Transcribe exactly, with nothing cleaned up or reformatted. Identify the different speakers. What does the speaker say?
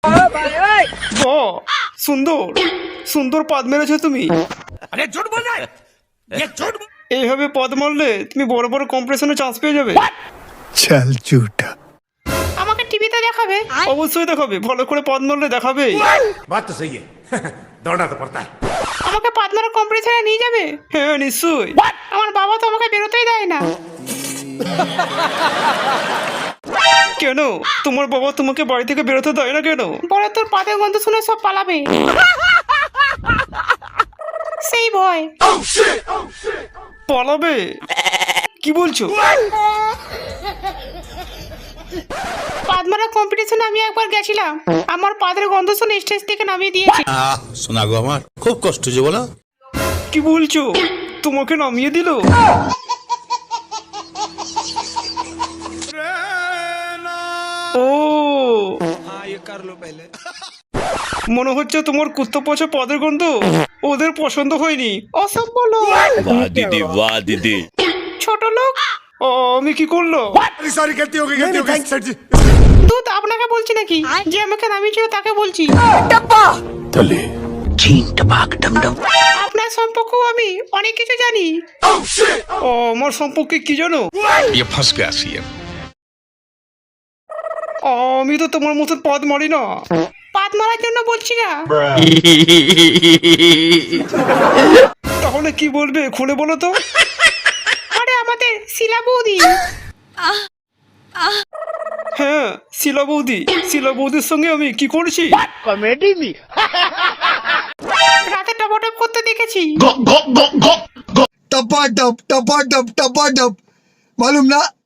Speaker 1: বাহ, সুন্দর সুন্দর পদ মেরেছো তুমি। এইভাবে পদ মারলে তুমি বড় বড় কম্পিটিশনে চান্স পেয়ে যাবে।
Speaker 2: चल झूठा।
Speaker 3: আমাকে টিভিতে দেখাবে?
Speaker 1: অবশ্যই দেখাবে, ভালো করে পদ মারলে দেখাবে।
Speaker 4: बात तो सही है दौड़ना तो पड़ता है।
Speaker 3: আমাকে পাতমারা কম্পিটিশনে নিয়ে যাবে?
Speaker 1: হ্যাঁ নিশ্চয়ই।
Speaker 3: আমার বাবা তো আমাকে বেরোতেই দেয় না।
Speaker 1: কেন তোমার বাবা তোমাকে বাড়ি থেকে বেরোতে দেয় না কেন?
Speaker 3: বলে তোর পাদের গন্ধ শুনে সব পালাবে, সেই ভয়।
Speaker 1: পালাবে? কি বলছো?
Speaker 3: পাদমারা কম্পিটিশনে আমি একবার গেছিলাম, আমার পাদের গন্ধ শুনে স্টেজ থেকে নামিয়ে দিয়েছে।
Speaker 5: শোনা গো আমার খুব কষ্ট যে বলো।
Speaker 1: কি বলছো? তোমাকে নামিয়ে দিল? ও মনে হচ্ছে তোমার কুত্তা পচা পদের গন্ধ ওদের পছন্দ হয়নি।
Speaker 3: ওসব বলো,
Speaker 5: বাহ দিদি বাহ দিদি।
Speaker 3: ছোট লোক।
Speaker 1: ও, আমি কি করলো?
Speaker 4: सॉरी गलती हो गई गलती हो गई सर जी।
Speaker 3: দুধ আপনাকে বলছি নাকি? যে আমাকে নামিয়েছিল তাকে বলছি। আপনার সম্পর্কেও আমি অনেক কিছু জানি।
Speaker 1: ও, আমার সম্পর্কে কি জানো? আমি তো তোমার মতন পদ মারি না।
Speaker 3: পাদ মারার জন্য বলছি না।
Speaker 1: তাহলে কি বলবে খুলে বলো তো?
Speaker 3: আরে আমাদের শিলা বৌদি।
Speaker 1: হ্যাঁ শিলা বৌদি, শিলা বৌদির সঙ্গে আমি কি করেছি?
Speaker 3: রাতে টপটপ করতে দেখেছি।
Speaker 2: टपा टप टपा टप टपा टप मालूम ना